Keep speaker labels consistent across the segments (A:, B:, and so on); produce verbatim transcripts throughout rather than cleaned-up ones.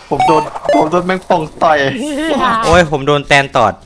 A: ผมโดนผมโดนแมงป่องต่อย
B: โอ้ยผมโดนแตนตอด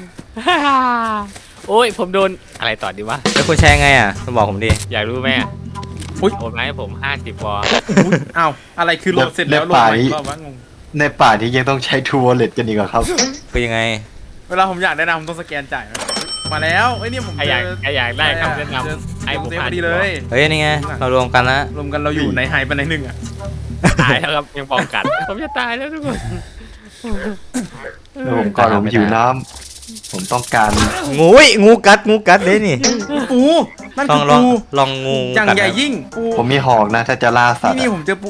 C: โอ้ยผมโดนอะไรต่อดีวะ
B: แล้วคุณใช้ไงอ่ะคุณบอกผมดิ
C: อยากรู้ไหมอะ
D: อุ๊ย
C: โอนมาให้ผมห้าสิบวอล
D: อุ๊ยอ้าวอะไรคือโหลดเสร็จแล้วโหลดใหม่อีกรอบวะงง
A: ในป่าที่ยังต้องใช้ทูวอลเล็ตกันอีกเหรอครับ
B: คือยังไง
D: เวลาผมอยากได้นะผมต้องสแกนจ่ายนะมาแล้วไอ้ยนี่ผม
C: ใครอยากใครอยากได้คำแนะน
D: เจอ
C: ำไอ้ผม
D: เซฟ
C: ผ่า
D: พ
C: น
D: อดีเลย
B: เฮ้ยนี่ไงเรารวมกันแล้ว
D: รวมกันเราอยู่ในไฮไปในหนึ่งอ่ะ
C: ตายแล้วครับยังป้องกัน ผมจะตายแล้วทุกคน
A: ผมก่อนผมหิวน้ำผมต้องการ
B: งูยงูกัดงูกัดเลยนี่
D: ปูนั่น
B: ลอ
D: คื
B: ง
D: อ
B: ลอง
D: ปู
B: ลองงู
D: อย่าง
B: กัด
D: ใหญ่
B: นะ
D: ยิ่งปู
A: ผมมีหอกนะถ้าจะล่าสัต
D: นี่
A: ว์
D: นี่
A: อะ
D: ผมเจอปู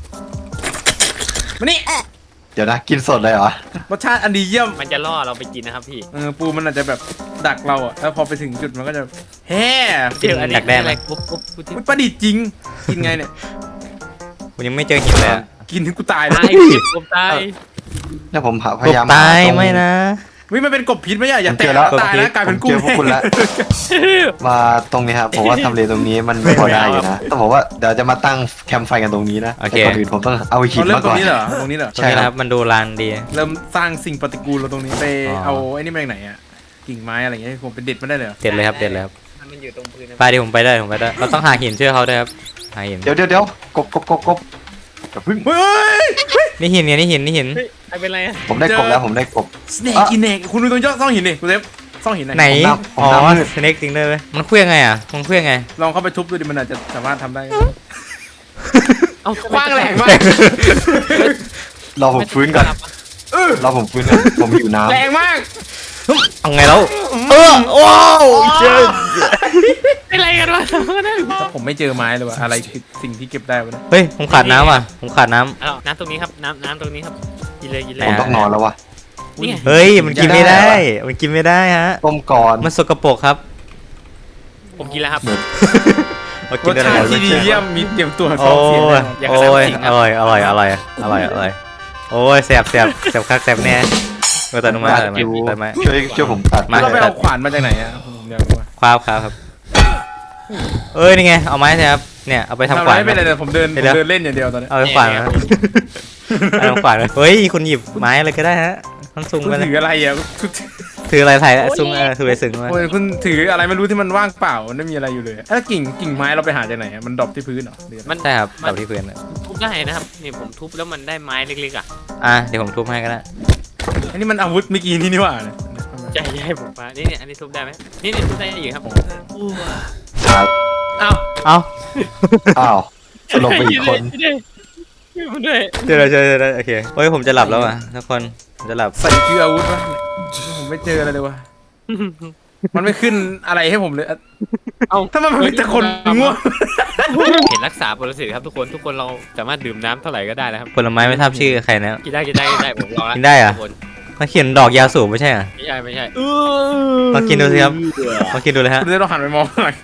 D: มานี่
A: เดี๋ยวนะกินสดเลยเหรอ
D: รสชาติอันดีเยี่ยม
C: มันจะล่อเราไปกินนะครับพี่
D: เออปูมันอาจจะแบบดักเราอ่ะแล้วพอไปถึงจุดมันก็จะแฮ่
C: เจออันนี้อะไรปุ๊บปุ๊บปุ๊บ
D: อุ๊ยประดิษฐ์จริงกินไงเนี่ย
B: ผมยังไม่เจอหินเลยอะ
D: กินถึงกูตายเล
C: ตาย
D: ย
C: พี่ผมตาย
A: แล้วผมหาพ
B: กบ
A: ยายาม
B: ตาย
A: หตรง
B: ไม่นะ
D: วิมันเป็นกบพิษไหมอ่ะอย่า
A: ผม
D: แตะ
A: เจอแล้ว
D: ตายนะกลายเป็นกุ้ง
A: ผมเจอพวกคุณแล้ว มาตรงนี้ครับผมว่าทำเลตรงนี้มันพอได้อยู่นะต้องบอกว่าเดี๋ยวจะมาตั้งแคมป์ไฟกันตรงนี้นะแต่ก่อนอื่นผมต้องเอาหิน
D: เราเริ่ม
A: มา
D: ตร
A: ก่อง น
D: นี้เหรอตรงนี้เหรอ
B: ตรงนี้นะครับมันดูลานดี
D: เริ่มสร้างสิ่งปฏิกูลเราตรงนี้ไป
B: อ๋อ
D: เอาไอ้นี่มาจากไหนอ่ะกิ่งไม้อะไรเงี้ยผมเป็นเด็ดมาได้เลยเหรอ
B: เด็ดเลยครับเด็ดเลยครับ
C: มันอยู่ตรงพื้นนะ
B: ไปดิผมไปได้ผมไปได้เราต้องหาหินเชื่อเขาด้วยครับหาหิน
A: เดี๋ยวเดี๋ยวเดี๋ยวกบกบกบกบอย่าพึ่ง
D: เฮ้ย
B: นี่หินเนี่ยนี่หินนี่หิน
C: เฮ้ยไอ้เป็นไรอะ
A: ผมได้กบแล้วผมได้กบ
D: สเนกกินเนกคุณดูตรงยอดซ่องหินดิคุณเซฟซ่องหิน
B: ไหน
A: ผมนับผม
B: อ๋อ
A: นับมืด
B: สเน็กจริงด้วยเว้ยมันเคลื่อนไงอ่ะมันเคลื่อนไง
D: ลองเข้าไปทุบดูดิมันอาจจะสามารถทำได้
C: เอา
D: คว้างแรงมาก
A: รอผมฟื้นก่อนรอผมฟื้นก่อนผมหิวน้ำ
D: แรงมาก
B: เอาไงแล้วเออว้าวเจอ
C: เป็นไรกันวะ
D: ผมไม่เจอไม้เลยว่ะอะไรคือสิ่งที่เก็บได้วะเนี่ย
B: เฮ้ยผมขาดน้ำอ่ะผมขาดน้ำ
C: เอาน้ำตรงนี้ครับน้ำน้ำตรงนี้ครับกินเลยกินเล
A: ผ
C: ย
A: มต้องนอนแล้ววะ
C: นี่ไง
B: เฮ้ยมันกินไม่ได้มันกินไม่ได้ฮะ
A: ต้มก่อน
B: มันสกปรกครับ
C: ผมกินแล้วครับ
B: เอา
D: ร
B: กิน
D: ส
B: ได้
D: ชา
B: ไง
D: ติที่ดีเยี่ยมมีเตรียมตัว
B: โอ้
D: สองเสียง
B: ย
D: แน่นอน
C: อยาก
B: โอ้
C: จะ
B: ย
C: ทำสิ่ง
B: อร่อยอร่อยอร่อยอร่อยอร่อยโอ้ยแสบแสบแสบคักแสบแน่เออตัดลงมา
A: ตัด
B: ตัดมา
A: อยู่
B: ตัดมา
A: ช่วยช่วยผมตัด
B: มา
D: เราไปเอาขวานมาจากไหนอ่ะผมอยากรู้ว่า
B: คว้าวครับครับเอ้ยนี่ไงเอาไม้ใช่ครับเนี่ยเอาไปทำ
D: ทำ
B: ขวาน
D: ไม่เป็นไรเลยผมเดินผ
B: เดี๋
D: ม
B: ยว
D: เดินเล่นอย่างเดียวตอนนี้
B: เอาไปขวานครับเอาไปขวานเฮ้ยคุณหยิบไม้อะไรก็ได้ฮะมันซุง
D: คุณ
B: ไปเลย
D: ถืออะไรอ่ะคุณ
B: ถืออะไรไทยแล้วซุงเออถือไปซึ้งมา
D: โอ้ยคุณถืออะไรไม่รู้ที่มันว่างเปล่ามันไม่มีอะไรอยู่เลยแล้วกิ่งกิ่งไม้เราไปหาจากไหนอะมันดรอปที่พื้นเหรอหรือ
C: มัน
B: ใช่ครับดับที่พื้นอะ
C: ทุบได้นะครับนี่ผมทุบแล้วมันได้ไม้เล็กๆอ่ะ
B: อ่ะเดี๋ยวผมทุบให้ก็ได้
D: อันนี้มันอาวุธเมื่อกี้นี่นี่หว่าเนี่ย
C: ใช่ใช่ผมมานี่เนี่ยอันนี้ทุบได้ไหมนี่นี่ทุบได้อยู่ครับ
A: ครับ
D: อ้าว
B: เอ้า
A: อ้าวสลบไปอีกคน
C: ด้วย
B: เจอแล้วเจอแล้วโอเคเฮ้ยผมจะหลับแล้วอ่ะทุกคนผมจะหลับ
D: ใส่คืออาวุธวะผมไม่เจออะไรเลยวะมันไม่ขึ้นอะไรให้ผมเลยอะ
C: เอา
D: ถ้ามันมีแต่คนง่วง
C: เห็นรักษาปรสิตครับทุกคนทุกคนเราสามารถดื่มน้ำเท่าไหร่ก็ได้แล้วครับ
B: ผลไม้ไม่ทราบชื่อใครนะ
C: กินได้กินได้กินได้ผมลองแล้ว
B: กินได้เหรอ
C: ทุกคน
B: มันเขียนดอกยาสูบไม่ใช่เหรอ
C: ไม่ใช่ไม่ใช่
B: ลองกินดูสิครับลองกินดูเลยฮะ
D: คุณจะต้องหันไปมองหน่อย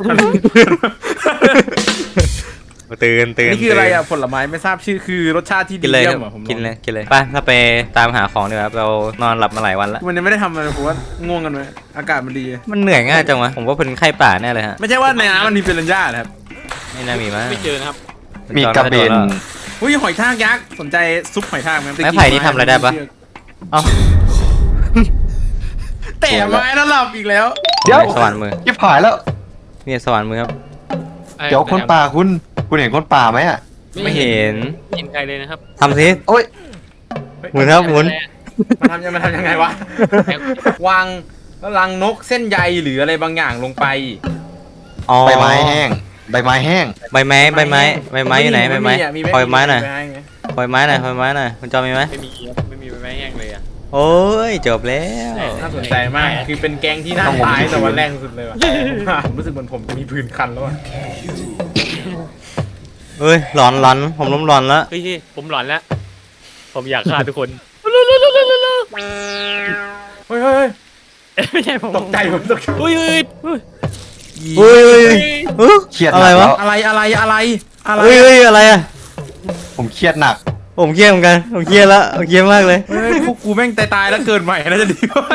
B: ตื่นตื่น
D: นี่คืออะไรอ่ะผลไม้ไม่ทราบชื่อคือรสชาติที่
B: กิ
D: ดี
B: นเลย
D: เยี่
B: ค
D: ย
B: รับ
D: มอ่ะผมลอง
B: กินเลยกินเลยไปถ้าไปตามหาของดีกว่าครับเรานอนหลับมาหลายวันแล้ว
D: มันยังไม่ได้ทำอะไรผมว่าง่วงกันไหมอากาศมันดี
B: มันเหนื่อยง่ายจังวะผมว่าเป็นไข้ป่าแน่เลยฮะ
D: ไม่ใช่ว่าในน้ำมันมีเปรัญญาเหรอครับ
B: ไม่น่ามีมั้ง
C: ไม่เจอนะครับ
A: มีกระเบน
D: อุ้ยหอยทากยักษ์สนใจซุปหอยทากไหม
B: ไม้ไผ่นี่ทำอะไรได้ปะเอ้า
D: เตะไม้แล้วหลับอีกแล้ว
A: เดี๋ยว
B: สวรรค์มือ
A: ยิบหายแล้ว
B: นี่สวรรค์มือครับ
A: เดี๋ยวคนป่าคุณคุณเห็นคนป่าไหมอ่ะ
B: ไม่เห็น
C: ไม่เห็นใครเลยนะครับ
B: ทำสิ
A: โอ้ย
B: หมุนครับหมุน
D: มันทำยังมันทำยังไงวะ วางแล้วรังนกเส้นใยหรืออะไรบางอย่างลงไป
B: อ๋อ
A: ใบไม้แห้งใบไม้แห้ง
B: ใบไม้ใบไม้ใบไม้อยู่ไหนใบไม้
D: อะ
B: ปล่อยไม้หน่อย
D: ไง
B: ปล่อยไม้หน่อยปล่อยไม้หน่อยคุณจอมีไหม
C: ไม่มีครับไม่มีใบไม้แห้งเลยอ่ะ
B: โอ้ยจบแล้ว
D: น่าสนใจมาก คือเป็นแก๊งที่น่าตายแต่วันแรกสุดเลยว่ะผมรู้สึกเหมือนผมจะมีพื้นคันแล้วอ่ะ
B: เฮ้ยหลอนหลอนผมล้มหลอนแล้ว
C: เฮ้ยผมหลอนแล้ว ผมอยากฆ่าทุกคน
D: เฮ้ยเฮ้ย
C: ไม่ใช่ผม
D: ตกใจผมตกใจ
C: อุ้ยอุ้ยอุ้ย
B: เฮ้ยเฮ้ย
A: เครียดห
B: อะ
A: นั
B: ไร
A: ก
B: วะ
A: แล้ว
D: อะไรอะไรอะไรอะไร
B: เฮ้ยเฮ้ยอะไรอะ
A: ผมเครียดหนัก
B: ผมเครียดเหมือนกันผมเครียดแล้วผมเครียดมากเลย
D: เฮ้ยพวกกูแม่งตายตายแล้วเกินใหม่น่าจะดีกว่า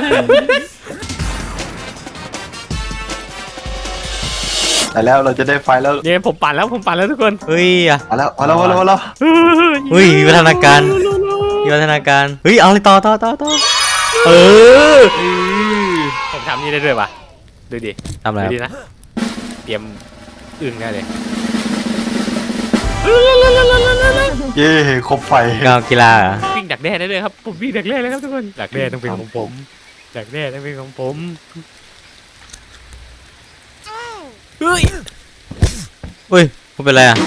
A: แต่แล้วเราจะได้ไฟแล้ว
C: เนี่ยผมปั่นแล้วผมปั่นแล้วทุกคน
B: เฮ้ยอะ
A: มาแล้วมาแล้วมาแล้วมาแล้ว
B: เฮ้ยวิวัฒนาการวิวัฒนาการเฮ้ยเอาเลยต่อต่อต่อต่อเออ
C: ผมทำนี่ได้ด้วยปะดูดิ
B: ทำอะไร
C: ดู
B: ครับ
C: ดินะเตรียมอึ่งได้เลย
A: เย้ครบไฟ
B: ก้าวกีฬาเหรอ
C: วิ่งดักแด้ได้เลยครับผมวิ่งดักแด้เลยครับทุกคนดักแด้ต้องเป็นของผมดักแด้ต้องเป็นของผมเฮ้ย
B: อุ้ยมึงเป็นไรอ่ะ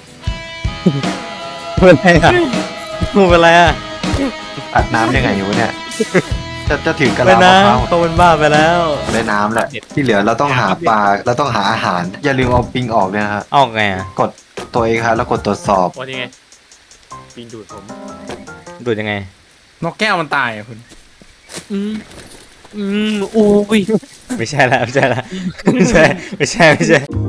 B: มึงเป็นไรอ่ะมึงเป็นไรอ่ะ
A: อัดน้ำยังไงอยู่วะเนี่ยจะจะถึงกระ
B: ไป
A: ลามะ
B: นะ
A: พร้าว
B: เขาเป็นบ้าไปแล้ว
A: ได้น้ำแหละที่เหลือเราต้องหาปลาเราต้องหาอาหาร อย่าลืมเอาปิงออกด้วยนะฮะ
B: ออกไงอ่ะ
A: กดตัวเองครับแล้วกดตรวจสอบ
C: วันนี้ไงปิงดูดผม
B: ดูดยังไง
D: นกแก้วมันตายอ่ะคุณ
C: อืมอืมอุ้ย
B: ไม่ใช่ละไม่ใช่ละไม่ใช่ไม่ใช่ไม่ใช่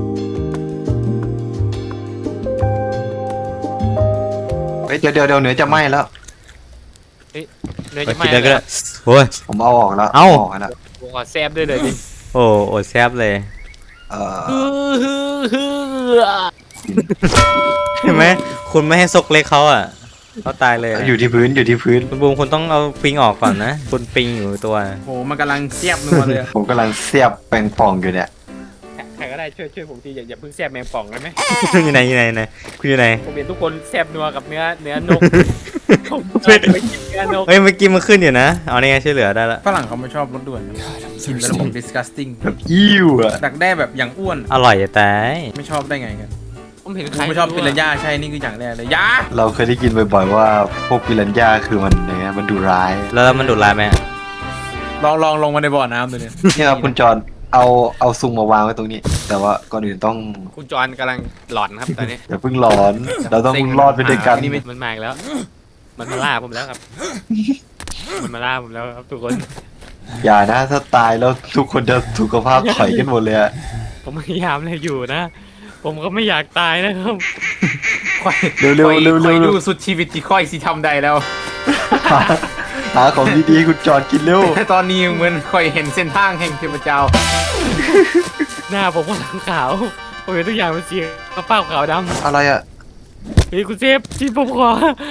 A: เฮ้ยเดี๋ยวเดี๋ยวเดี๋ยวเนื้อจะไหม้แล้ว
C: เนื้อ
B: ไป
C: จะไห
B: คิ
C: ม้
B: ดแล้วก็
C: แล้
B: ได้
C: ว
B: โอ้ย
A: ผมเอาออกแล้ว
B: เอ้า
A: ออกแล้ว
C: ผมขอแซบด้วยเลยดิ
B: โอ้โอดแซบเลย
A: เออ
C: ฮือฮือฮือ
B: เห็นไหมคุณไม่ให้ซกเล็กเขาอ่ะเขาตายเลยอะ
A: อยู่ที่พื้นอยู่ที่พื้น
B: คุณบูมคุณต้องเอาปิงออกก่อนนะคุณปิงอยู่ตัว
D: โหมันกำลังเสียบนัวเลยอะ
A: ผมกำลังเสียบแปงป่องอยู่เนี่ย
C: ใครก็ได้ช่วยช่วยผมทีอย่าอย่าเพิ่งแซบแมงป่องได้ไหม
B: อยู่ไหนอยู่ไหนอยู่ไหนคุณอยู่ไหน
C: ผมเห็นทุกคนแซบนัวกับเนื้อเนื้อนกผม
B: เป็น
C: ไปกินเนื้อนก
B: เฮ้ยเมื่อกี้มันขึ้นอยู่นะเอานี่ไงช่วยเหลือได้ละ
D: ฝรั่งเขาไม่ชอบรสด่วนนะกินแล้วผม disgusting
A: แบบอิ่วอะ
D: ดักแด้แบบอย่างอ้วน
B: อร่อยจะตาย
D: ไม่ชอบได้ไงกัน
C: ผมเห็น
D: กู
C: ใคร
D: ไม่ชอบปิรันย่าใช่นี่คืออย่างแรกเลยยา
A: เราเคยได้ยินบ่อยๆว่าพวกปิรันย่าคือมันเนี่ยมันดูร้าย
B: แล้วมันดูดลายไหม
D: ลองลองลงมาในบ่อน้ำดูเนี่ย
A: เนี่ยครับคุณจอนเอาเอาซุงมาวางไว้ตรงนี้ แต่ว่าก่อนอื่นต้อง
C: คุณจอนกำลังหลอนครับตอนนี้
A: อย่าเพิ่งร้อน เราต้องรอดไปด้วยกัน
C: นี่มันมาอีกแล้ว มันมาล่าผมแล้วครับ มันมาล่าผมแล้วครับทุกคน
A: อย่านะถ้าตายแล้วทุกคนจะสุขภาพถอยกันหมดเลยอะ
C: ผมพยายามเลยอยู่นะ ผมก็ไม่อยากตายนะครับ
D: ค่อย
A: เร็วๆเร็ว
D: ค่อย
A: เร็ว
D: ค่อย
A: เร็
D: ดู
A: ว
D: สุดชีวิตที่ค่อยสิทำใดแล้ว
A: หาหาของดีๆให้คุณจอนกินเร็ว
D: แต่ตอนนี้เหมือนค่อยเห็นเส้นทางแห่งเทพเจ้า
C: หน้าผมก็หลังขาวผมเห็นทุกอย่างเป็นสีฟ้าขาวด
A: อะไรอะ
C: ำเฮ้ยคุณเซฟที่ผมขอ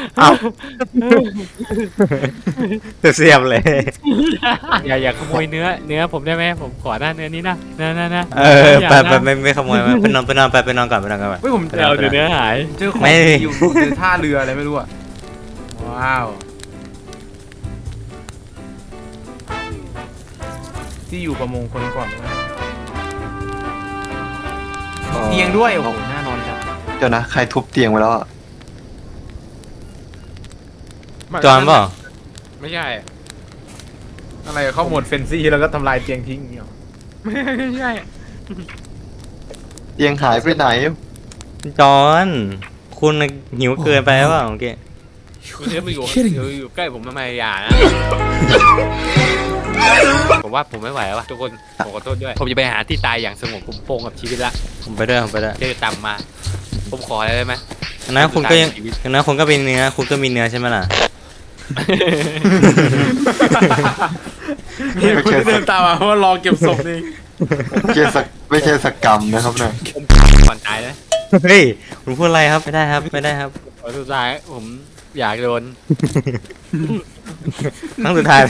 B: เสียบเลย
C: อย่าอย่าขโมยเนื้อ เนื้อผมได้ไหมผมขอหน้าเนื้อนี้นะนะนะนะ
B: เออไปไปไม่ไม่ขโมยมาไปนอนไปนอนไปไปนอนก่อนไปนอนก่อน
D: เฮ้ยผม
B: ไป
D: เจ
B: น
D: อ
B: อนไป
C: เดี๋ยวน
B: อน
C: เนื้อหาย
D: เจอของ
B: ไม่
D: ดีอยู่เจอท่าเรืออะไรไม่รู้อะว้าว ที่อยู่ประมงคนก่อนนะเตียงด้วยโอ้โหน่านอนจัง
A: เจ้านะใครทุบเตียงไว้แล้วอะ
B: จอนเปล่า
C: ไม่ใช่
D: อะไรเข้าโหมดเฟนซี่แล้วก็ทำลายเตียงทิ้งอย่างเงี้ยหรอ
C: ไม่ใช่
A: เตียงหายไปไหน
B: จอนคุณหิวเกินไปหรือเปล่าเมื่อกี้
C: คุณเซฟมาอยู่อยู่อยู่ใกล้ผมทำไมอย่านะ ผมว่าผมไม่ไหวแล้วว่ะทุกคนผมขอโทษด้วย ผมจะไปหาที่ตายอย่างสงบผมโปร่งกับชีวิตละ
B: ผมไปด้วยผมไปด้วย
C: เจอต่ำมา ผมขออะไรได้ไหม
B: นะคุณก็ยังนะคุณก็เป็นเนื้อคุณก็มีเนื้อใช่ไหมล่ะ
D: เห็นคุณเดินตามมาเพราะว่ารอเก็บศพนี่
A: ไม่ใช่สักไม่ใช่สักกรรมนะครับเนี่ย
C: ผมก่อนตายนะ
B: เฮ้ยคุณพูดอะไรครับไม่ได้ครับไม่ได้ครับ
C: ขอสุดท้ายผมอยากโดน
B: ครั้งสุดท้าย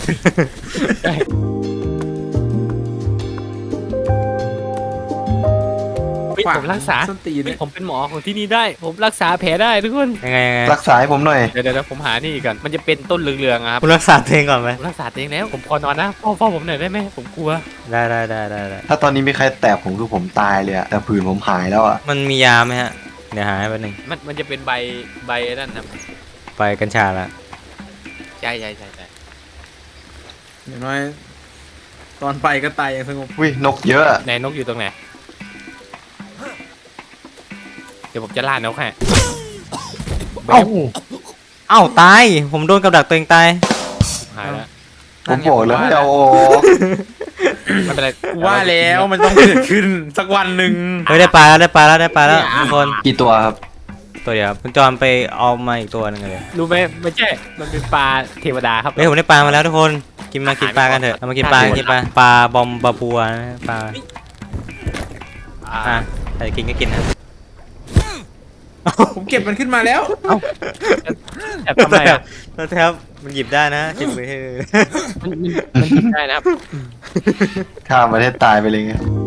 C: เฮ้ยผมรักษา
D: ส้นตีน
C: เฮ้ยผมเป็นหมอของที่นี่ได้ ผมรักษาแผลได้ทุกคน
B: ยังไงยังไง
A: รักษาให้ผมหน่อย
C: เดี๋ยวเดี๋ยวผมหานี่ก่อนมันจะเป็นต้นเหลืองๆอะครับ
B: คุณรักษาตัวเองก่อนไหม
C: ผมรักษาตัวเองแล้ว ผมขอนอนนะพ่อพ่อผมหน่อยได้ไหมผมกลัว
B: ได้ได้ได้ได้ได้
A: ถ้าตอนนี้มีใครแตะผมคือผมตายเลยอะแต่ผื่นผมหายแล้วอะ
B: มันมียาไหมฮะเดี๋ยวหาให้แป๊บนึง
C: มันมันจะเป็นใบใบนั่นครับ
B: ไปกัญชาละ
C: ใช่ใช่ใช่ใช่
D: อย่างน้อยตอนไปก็ตายอย่างสงบ
A: วินกเยอะอะ
C: ไหนนกอยู่ตรงไหนเดี๋ยวผมจะล่านกให้
B: เอ้าเอ้าตายผมโดนกับดักตัวเองตาย
C: หายแล้ว
A: ผมบอกแล้วให้เอาออก
C: ไม่เป็นไร
D: กูว่าแล้วมันต้องเกิดขึ้นสักวันหนึ่ง
B: เฮ้ยได้ปลาแล้วได้ปลาแล้วได้ปลาแล้วทุกคน
A: กี่ตัวครับ
B: ตัวเดียวครับคุณจอนไปเอามาอีกตัวหนึงเลย
C: รู้ไหมไม่ใช่มันเป็นปลาเทวดาครับ
B: เฮ้ยผมได้ปลามาแล้วทุกคนกินมากินปลากันเถอะเรามากินปลากินปลาปลาบอมบาบัวนะปลา
C: อ่า
B: อ่ะใครจะกินก็กินนะ
D: ผมเก็บมันขึ้นมาแล้ว
C: แอบทำไมอ่ะ
B: แล้วแทบมันหยิบได้นะเช็คมือ
C: มันมันมันหยิบได้นะครับ
A: ข้ามประเทศตายไปเลยไง